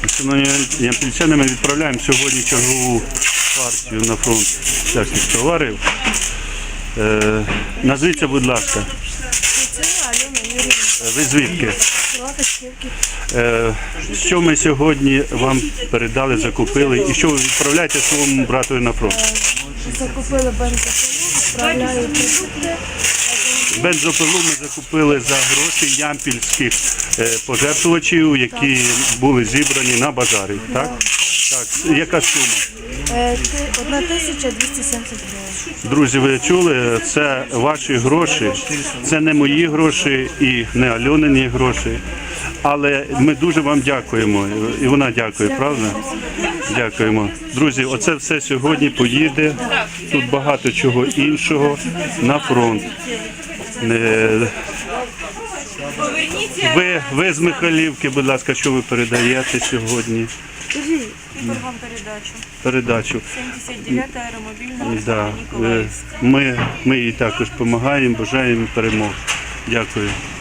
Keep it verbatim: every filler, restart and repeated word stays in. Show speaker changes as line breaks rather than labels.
Шановні ямпільчани, ми відправляємо сьогодні чергову партію на фронт всяких товарів. Е, назвіться, будь ласка. Ви звідки? Е, що ми сьогодні вам передали, закупили і що ви відправляєте своєму брату на фронт?
Закупили бензопилу, відправляю продукти.
Бензопилу ми закупили за гроші ямпільських е, пожертвувачів, які були зібрані на базарі. Так? Так. Яка сума?
одна тисяча двісті сімдесят гривень.
Друзі, ви чули, це ваші гроші, це не мої гроші і не Альонині гроші. Але ми дуже вам дякуємо. І вона дякує, правда? Дякуємо. Друзі, оце все сьогодні поїде. Тут багато чого іншого на фронт. Ви, ви з Михайлівки, будь ласка, що ви передаєте сьогодні?
Тепер вам передачу.
Передачу.
сімдесят дев'ята аеромобільна
Да.
Ніколаївська.
Ми, ми їй також допомагаємо, бажаємо перемог. Дякую.